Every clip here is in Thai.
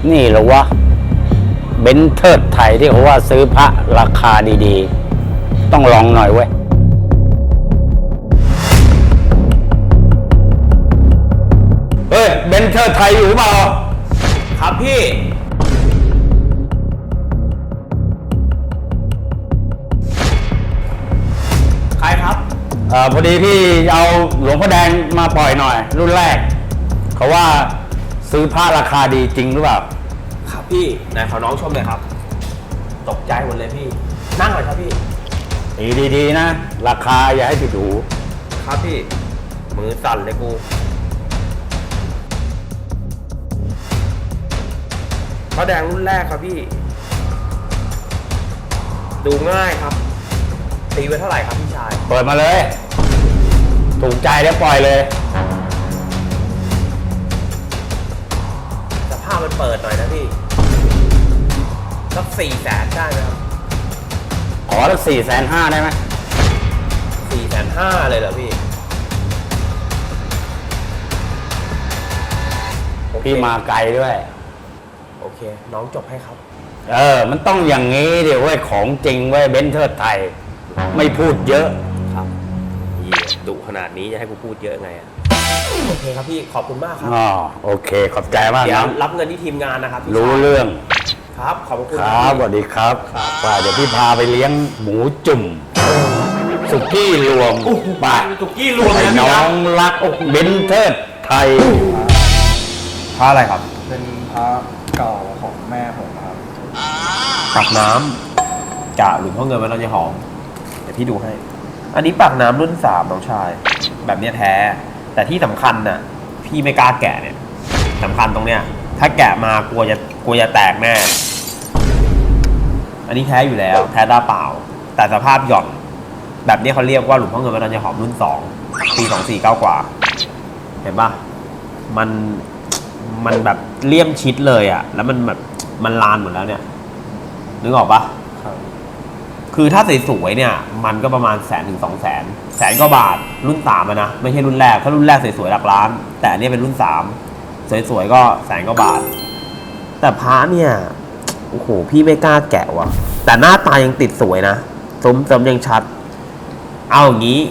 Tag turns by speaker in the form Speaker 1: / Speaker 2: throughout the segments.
Speaker 1: นี่เหรอวะเบนซ์เทิดไทยที่เขาว่าซื้อพระราคาดีๆต้องลองหน่อยเว้ยเฮ้ยเบนซ์เทิดไทยอยู่หรือเปล่า
Speaker 2: ครับพี่ใครครับ
Speaker 1: พอดีพี่เอาหลวงพ่อแดงมาปล่อยหน่อยรุ่นแรกเขาว่าซื้อพระราคาดีจริงหรือเปล่า
Speaker 2: ครับพี่ไหนขอน้องชมเลยครับตกใจหมดเลยพี่นั่งหน่อยครับพี่
Speaker 1: ดีนะราคาอย่าให้ผิดหู
Speaker 2: ครับพี่มือสั่นเลยกูพระแดงรุ่นแรกครับพี่ดูง่ายครับตีไว้เท่าไหร่ครับพี่ชาย
Speaker 1: เปิดมาเลยถูกใจแล้วปล่อยเลย
Speaker 2: สภาพมันเปิดหน่อยนะพี่สัก400,000ได้ไหมครับ
Speaker 1: ขอสัก450,000ได้ไหม
Speaker 2: 450,000เลยเหรอพี่
Speaker 1: พี่มาไกลด้วย
Speaker 2: โอเคน้องจบให้ครับ
Speaker 1: มันต้องอย่างนี้เดี๋ยวเว้ยของจริงเว้ยเบนซ์เทิดไทยไม่พูดเยอะ
Speaker 2: ครับดุขนาดนี้จะให้กูพูดเยอะไงอ่ะโอเคครับพี่ขอบคุณมากครับ
Speaker 1: โอเคขอบใจมากนะ
Speaker 2: เดี๋ยวรับเงินที่ทีมงานนะครับ
Speaker 1: รู้เรื่อง
Speaker 2: ครับขอบคุณ
Speaker 1: ครับสวัสดีครับว่าเดี๋ยวพี่พาไปเลี้ยงหมูจุ่มสุกี้รวม
Speaker 2: บ้าสุกี้รวม
Speaker 1: น้องรักเบนซ์เทิดไทย
Speaker 2: พระอะไรครับ
Speaker 3: เป็นพระเก่าของแม่ผมครับ
Speaker 2: ปากน้ำกะหรือพ่อเงินไว้เราจะหอมเดี๋ยวพี่ดูให้อันนี้ปากน้ำรุ่น3น้องชายแบบนี้แท้แต่ที่สำคัญน่ะพี่ไม่กล้าแกะเนี่ยสำคัญตรงเนี้ยถ้าแกะมากลัวจะแตกแน่อันนี้แท้อยู่แล้วแท้ตาเปล่าแต่สภาพหย่อนแบบนี้เขาเรียกว่าหลวงพ่อเงินไว้เราจะหอมรุ่น2ปี2499กว่าเห็นปะมันแบบเลี่ยมชิดเลยอ่ะแล้วมันแบบมันลานหมดแล้วเนี่ยนึกออกปะคือถ้าสวยๆเนี่ยมันก็ประมาณ100,000 ถึง 200,000 100,000 กว่าบาทรุ่น3นะไม่ใช่รุ่นแรกถ้ารุ่นแรกสวยๆหลักล้านแต่อันนี้เป็นรุ่น3สวยๆก็100,000 กว่าบาทแต่พระเนี่ยโอ้โหพี่ไม่กล้าแกะว่ะแต่หน้าตายังติดสวยนะสมยังชัดเอาอย่างนี้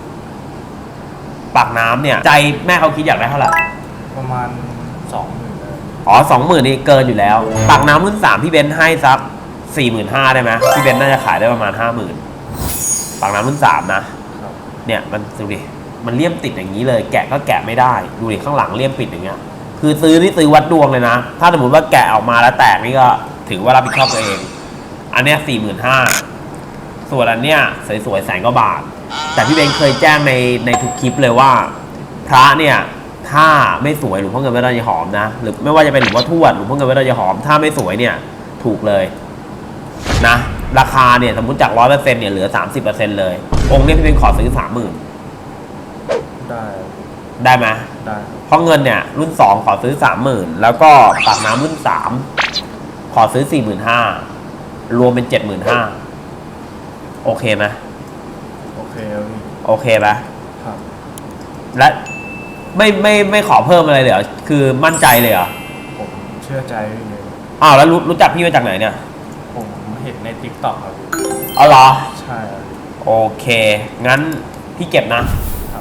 Speaker 2: ปากน้ำเนี่ยใจแม่เขาคิดอยากได้เท่าไหร่
Speaker 3: ประมาณ20,000
Speaker 2: 20,000นี่เกินอยู่แล้วปากน้ำรุ่น3พี่เบนซ์ให้ซัก45,000ได้ไหมพี่เบนซ์น่าจะขายได้ประมาณ50,000ปากน้ำรุ่น3นะเนี่ยมันดูดิมันเลี่ยมติดอย่างนี้เลยแกะก็แกะไม่ได้ดูดิข้างหลังเลี่ยมปิดอย่างเงี้ยคือซื้อวัดดวงเลยนะถ้าสมมติว่าแกะออกมาแล้วแตกนี่ก็ถือว่ารับผิดชอบตัวเองอันเนี้ย45,000ส่วนอันเนี้ยสวยๆ100,000 กว่าบาทแต่พี่เบนซ์เคยแจ้งในทุกคลิปเลยว่าพระเนี่ยถ้าไม่สวยหลวงพ่อเงินวัดดอนยายหอมนะหรือไม่ว่าจะเป็นหลวงพ่อทวดหลวงพ่อเงินวัดดอนยายหอมถ้าไม่สวยเนี่ยถูกเลยนะราคาเนี่ยสมมติจาก 100% เนี่ยเหลือ 30% เลยองค์นี้พี่เป็นขอซื้อ 30,000ได้ไหม
Speaker 3: ได้
Speaker 2: เพราะเงินเนี่ยรุ่น2ขอซื้อ 30,000แล้วก็ปากน้ำรุ่น3ขอซื้อ 45,000รวมเป็น 75,000โอเคไหม
Speaker 3: โอเคครับพี่
Speaker 2: โอเคไหม
Speaker 3: ครับ
Speaker 2: และไม่ขอเพิ่มอะไรเลยเหรอคือมั่นใจเลยเหรอ
Speaker 3: ผมเชื่อใจพี่เลย
Speaker 2: แล้วรู้จักพี่มาจากไหนเนี่ย
Speaker 3: ผมเห็นใน TikTok ครับ
Speaker 2: เหรอ
Speaker 3: ใช่
Speaker 2: โอเคงั้นพี่เก็บนะครับ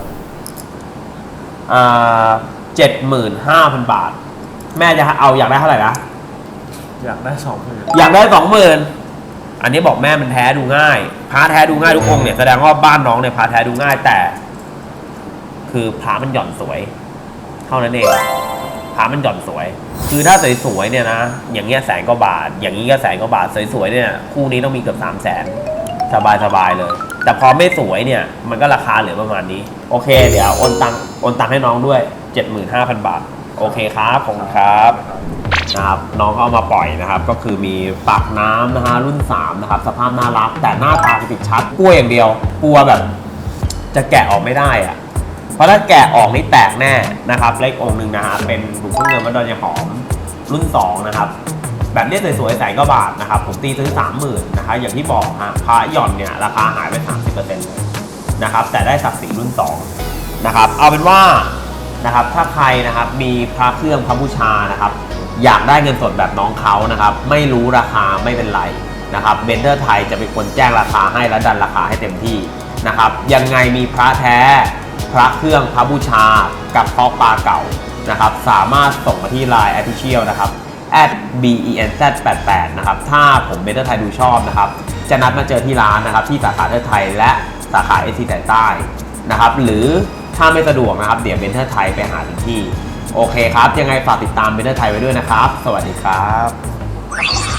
Speaker 2: 75,000 บาทแม่จะเอาอยากได้เท่าไหร่นะ
Speaker 3: อยากได้20,000
Speaker 2: อยากได้20,000อันนี้บอกแม่มันแท้ดูง่ายพระแท้ดูง่ายทุกองค์เนี่ยแสดงว่าบ้านน้องเนี่ยพระแท้ดูง่ายแต่คือพระมันหย่อนสวยเท่านั้นเองพระมันหย่อนสวยคือถ้าสวยๆเนี่ยนะอย่างเงี้ย100,000 กว่าบาทอย่างนี้ก็100,000 กว่าบาทสวยๆเนี่ยคู่นี้ต้องมีเกือบ300,000สบายเลยแต่พอไม่สวยเนี่ยมันก็ราคาเหลือประมาณนี้โอเคเดี๋ยวโอนตังค์ให้น้องด้วย 75,000 บาทโอเคครับขอบคุณครับนะครับน้องเอามาปล่อยนะครับก็คือมีปากน้ำนะฮะรุ่น3นะครับสภาพน่ารักแต่หน้าตาติดชัดกลัวอย่างเดียวกลัวแบบจะแกะออกไม่ได้อะเพราะถ้าแกะออกนี่แตกแน่นะครับเลของค์หนึ่งนะฮะเป็นหลวงพ่อเงินวัดดอนยายหอมรุ่น2นะครับแบบนี้สวยๆ100,000 กว่าบาทนะครับผมตีซื้อ 30,000นะคะอย่างที่บอกฮะพระหย่อนเนี่ยราคาหายไป 30% เลยนะครับแต่ได้ศักดิ์ศรีรุ่น2นะครับเอาเป็นว่านะครับถ้าใครนะครับมีพระเครื่องพระบูชานะครับอยากได้เงินสดแบบน้องเขานะครับไม่รู้ราคาไม่เป็นไรนะครับเบนเทอร์ไทยจะเป็นคนแจ้งราคาให้และดันราคาให้เต็มที่นะครับยังไงมีพระแท้พระเครื่องพระบูชากับเพาะปลาเก่านะครับสามารถส่งมาที่ Line Official นะครับ @benz88 นะครับถ้าผมเบนเทอร์ไทยดูชอบนะครับจะนัดมาเจอที่ร้านนะครับที่สาขาเทอร์ไทยและสาขาSCใต้นะครับหรือถ้าไม่สะดวกนะครับเดี๋ยวเบนเทอร์ไทยไปหาถึงที่โอเคครับยังไงฝากติดตามเบนเทอร์ไทยไว้ด้วยนะครับสวัสดีครับ